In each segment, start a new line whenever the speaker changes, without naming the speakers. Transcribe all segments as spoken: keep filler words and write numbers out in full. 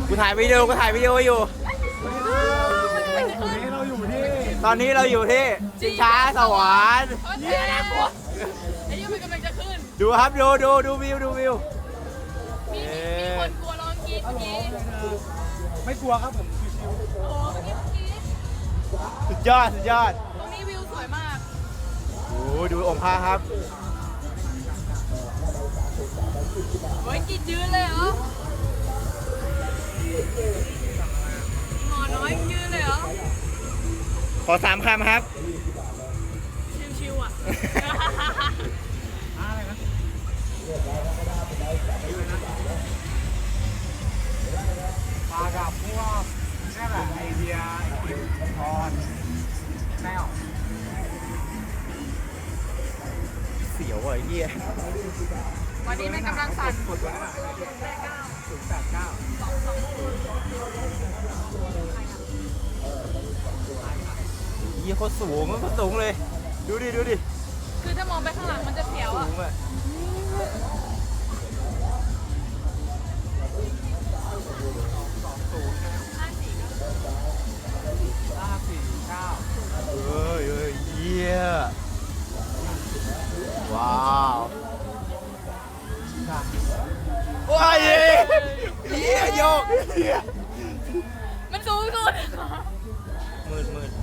กูถ่ายวิดีโอกูถ่ายวิดีโออยู่
เราอยู่ที่
ตอนนี้เราอยู่ที่ชิงช้าสวรรค์
เย้นะกูไอ้ยี่มันกำลังจะขึ้น
ดูครับดูดูดูวิวดูวิว
มีมีคนกลัวร้องกรี๊ดเมื่อกี้
ไม่กลัวครับผมชิว
โอ้เมื่อกี้เมื่อกี้
สุดยอดสุดยอด
ตรงนี้วิวสวยมาก
โอ้ดูองค์พระครับ
โอ้ยกินยืนเลยเหรอหมอน้อยยืนเลยเหรอ
ขอสามคำครับ
ชิวๆอ่ะ
ๆอะไรนะมากับพวกนี่แหละไอเดียไอคิวพรแนว
เสียวอ่ะไอ้เหี้ย
วันนี้ไม่กำลังสั่น
กดตัวนั้นศูนย์แปดเก้า
เหี้ยโคตรสูงมันโคตรสูงเลย ดูดิดูดิ
คือถ้ามองไปข้างหลังมันจะเสียว
สู
อ่ะ
งอ่ะ
ศูนย์นะ
ห้าสี่ก็
ห้าสี่เก้า
เฮ้ยเฮ้ยเหี้ยว้าวว้ายเหี้ยโยกเหี้ย
มันสูงสุด
มืดมืด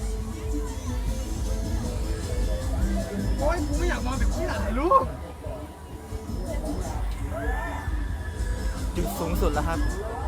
โอ้ยกูไม่อยากมองแต่กูอยากถ่ายรูป
จุดสูงสุดแล้วครับ
โ